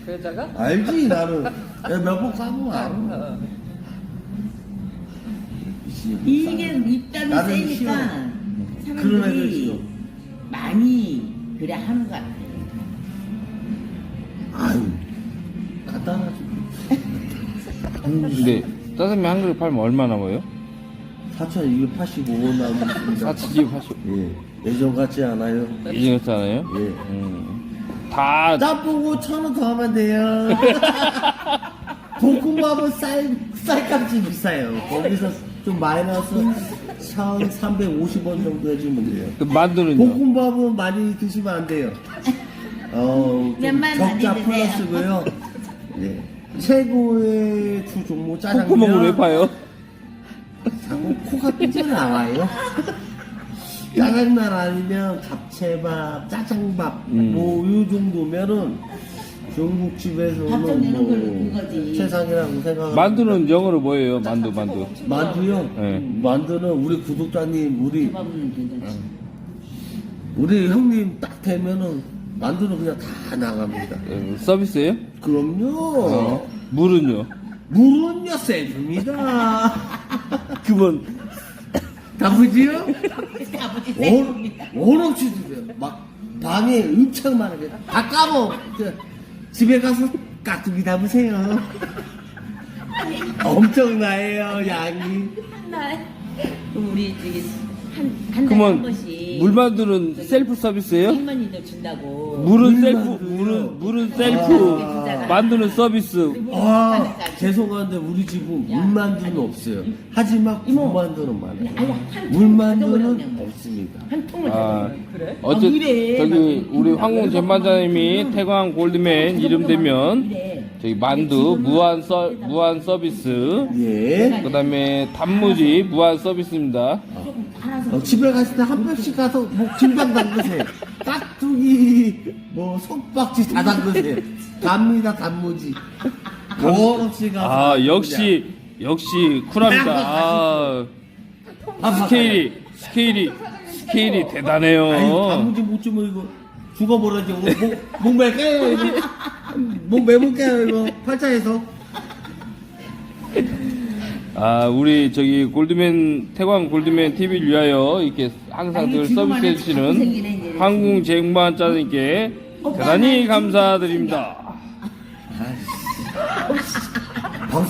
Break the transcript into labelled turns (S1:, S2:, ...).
S1: 그 여자가?
S2: 알지 나는 몇 번 가면 알아.
S3: 이게 입담이
S2: 나는
S3: 세니까
S2: 그런 애들
S3: 사람들이
S2: 싫어.
S3: 많이 그래 하는 것 같아.
S2: 아유 간단하지.
S4: 근데 짜장면 한 그릇 팔면 얼마 남아요?
S2: 4,285원 남았습니다.
S4: 4,280.
S2: 예, 예전 같지 않아요.
S4: 이해했잖아요.
S2: 예.
S4: 다
S2: 짬뽕 5,000원 더 하면 돼요. 볶음밥은 쌀값이 비싸요. 거기서 좀 마이너스 1,350원 정도 해주면 돼요.
S4: 그 만두는요?
S2: 볶음밥은 많이 드시면 안 돼요. 좀
S3: 몇만
S2: 적자
S3: 많이 드세요.
S2: 플러스고요. 네. 최고의 두 종목 짜장면.
S4: 콧구멍을 왜 파요?
S2: 자꾸 코가 삐져나와요. 짜장면 아니면 잡채밥, 짜장밥 뭐 이 정도면은 중국집에서는
S3: 밥정리는
S2: 뭐
S3: 그거지.
S2: 최상이라고 생각합니다.
S4: 만두는 영어로 뭐예요? 만두.
S2: 만두요?
S4: 네.
S2: 만두는 우리 구독자님
S3: 밥은 괜찮지.
S2: 우리 형님 딱 되면은 만두는 그냥 다 나갑니다.
S4: 서비스예요?
S2: 그럼요.
S4: 물은요?
S2: 물은요 세줍니다.
S4: 그건
S2: 다부지요?
S3: 아버지 세입니다.
S2: 오롯이 주세요. 막 방에 엄청 많은데 다 까먹. 집에 가서 깍두기 담으세요. 엄청나요 양이.
S3: 한날 우리 저기 한 달에 한
S4: 그러면
S3: 번씩
S4: 물만두는 셀프 서비스예요?
S3: 할머니들 준다고.
S4: 물은 셀프,
S2: 물만두요?
S4: 물은 셀프,
S2: 아.
S4: 만두는 서비스.
S2: 아 죄송한데 우리 집은 물만두는 없어요. 하지만
S3: 이모.
S2: 물만두는 많아요.
S3: 아니, 한
S2: 물만두는
S3: 통을
S2: 없습니다.
S3: 한 통을
S4: 아,
S3: 다
S1: 그래?
S4: 어쨌든
S3: 이래.
S4: 저기 우리 황공 전반장님이 태광 골드맨 이름 되면
S3: 이래.
S4: 저기 만두 무한 서비스.
S2: 예.
S4: 그다음에 단무지 무한 서비스입니다.
S2: 집에 갔을 때 한 번씩 가서 뭐 김장 담그세요. 깍두기 뭐 속박지 다 담그세요. 갑니다 단무지. 없이 가서.
S4: 아 역시 쿨합니다. 아, 스케일이 대단해요.
S2: 아유, 단무지 못 주면 이거 죽어버려지. 목 맬까요 이거? 목 매볼까요 이거? 팔자에서.
S4: 아 우리 저기 태광 골드맨 TV를 위하여 이렇게 항상 늘 서비스해 주시는 황궁 쟁반 짜장님께 대단히 감사드립니다.